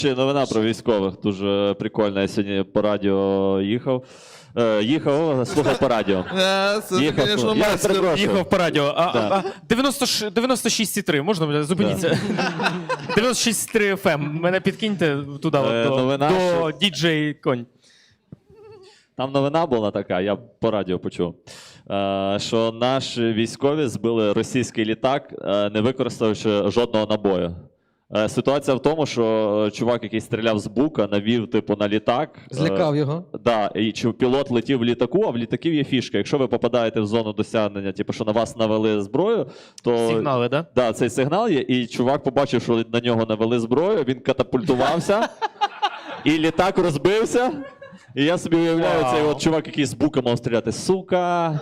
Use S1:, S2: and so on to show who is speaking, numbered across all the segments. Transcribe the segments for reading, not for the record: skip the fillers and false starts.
S1: Ще новина про військових. Дуже прикольна. Я сьогодні по радіо їхав. Слухав по радіо.
S2: Це, звісно,
S1: Я
S2: майстер.
S1: перепрошую.
S3: Їхав по радіо.
S1: Да.
S3: 96,3, можна зупиніться? 96,3 FM. Мене підкиньте туди,
S1: новина,
S3: до
S1: що-
S3: діджей Конь.
S1: Там новина була така, я по радіо почув, що наші військові збили російський літак, не використавши жодного набою. Ситуація в тому, що чувак, який стріляв з бука, навів типу на літак.
S2: Злякав його.
S1: Да, і пілот летів в літаку, а в літаків є фішка. Якщо ви попадаєте в зону досягнення, типу, що на вас навели зброю, то
S3: Сигнали, да?
S1: Да, цей сигнал є, і чувак побачив, що на нього навели зброю, він катапультувався, і літак розбився. І я собі уявляю, цей от чувак, який з бука мав стріляти. Сука.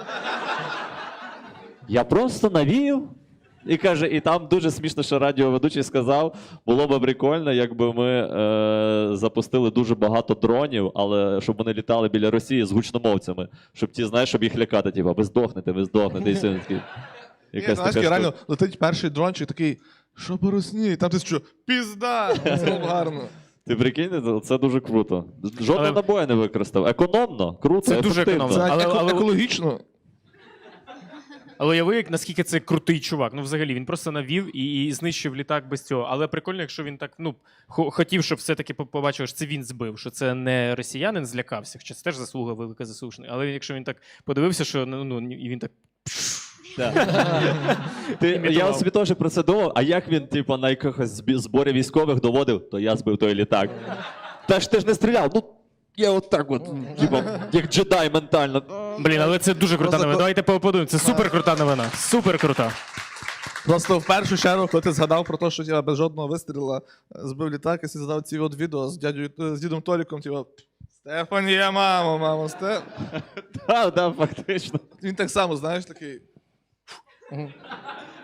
S1: Я просто навів. І каже, і там дуже смішно, що радіоведучий сказав, було б прикольно, якби ми запустили дуже багато дронів, але щоб вони літали біля Росії з гучномовцями. Щоб ті, знаєш, щоб їх лякати, типу, ви здохнете. І все такі.
S2: Ні, знаєш, реально летить перший дрончик такий, що по Росії? Там ти що, пізда! Це гарно.
S1: Ти прикинь, це дуже круто. Жодного
S3: Але-
S1: набоя не використав. Економно, круто,
S3: Це дуже
S1: ефективно.
S3: економно.
S2: Це
S3: Але-
S2: екологічно.
S3: Але уяви, наскільки це крутий чувак. Ну, взагалі, він просто навів і знищив літак без цього. Але прикольно, якщо він так, хотів, щоб все-таки побачив, що це він збив, що це не росіянин злякався, хоча це теж заслуга велика заслужена. Але якщо він так подивився, що і він так.
S1: Я
S3: імітував.
S1: собі теж про це думав, а як він, типу, на якихось зборі військових доводив, то я збив той літак. Та ж ти ж не стріляв, я от так от, типу, як джедай ментально.
S3: Блін, але це дуже крута
S2: Просто
S3: новина. Давайте поаплодуємо. Це супер крута новина. Супер крута.
S2: Просто в першу чергу, коли ти згадав про те, що я без жодного вистріла збив літак, і ти згадав ці от відео з дідом Толіком, типу, Стефанія, мамо,
S1: Так, фактично.
S2: Він так само, знаєш, такий.